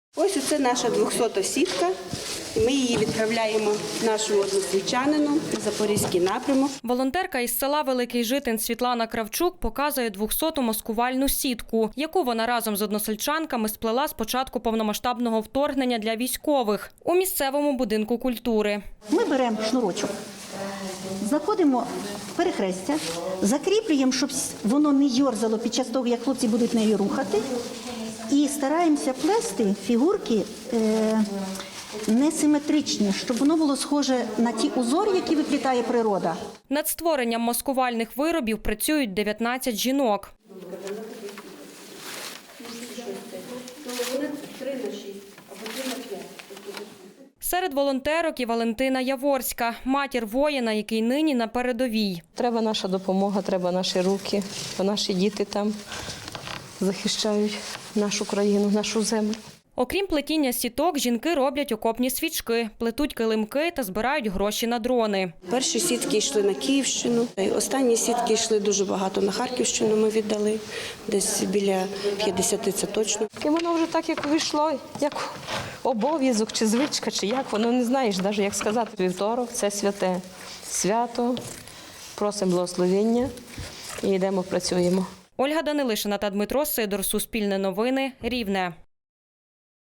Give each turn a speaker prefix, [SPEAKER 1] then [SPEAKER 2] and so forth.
[SPEAKER 1] Ось це наша 200-та сітка. Ми її відправляємо нашому односельчанину на Запорізький напрямок.
[SPEAKER 2] Волонтерка із села Великий Житин Світлана Кравчук показує 200-ту маскувальну сітку, яку вона разом з односельчанками сплела з початку повномасштабного вторгнення для військових у місцевому будинку культури.
[SPEAKER 3] Ми беремо шнурочок, заходимо в перехрестя, закріплюємо, щоб воно не йорзало під час того, як хлопці будуть нею рухати, і стараємося плести фігурки несиметричні, щоб воно було схоже на ті узори, які виплітає природа.
[SPEAKER 2] Над створенням маскувальних виробів працюють 19 жінок. Серед волонтерок і Валентина Яворська, матір воїна, який нині на передовій.
[SPEAKER 4] Треба наша допомога, треба наші руки, бо наші діти там захищають нашу країну, нашу землю.
[SPEAKER 2] Окрім плетіння сіток, жінки роблять окопні свічки, плетуть килимки та збирають гроші на дрони.
[SPEAKER 1] Перші сітки йшли на Київщину, останні сітки йшли дуже багато на Харківщину, ми віддали, десь біля 50 це точно.
[SPEAKER 4] І воно вже так, як вийшло, як обов'язок чи звичка, чи як, воно не знаєш, навіть як сказати. Вівторок – це святе свято, просимо благословення і йдемо, працюємо.
[SPEAKER 2] Ольга Данилишина та Дмитро Сидор. Суспільне новини. Рівне.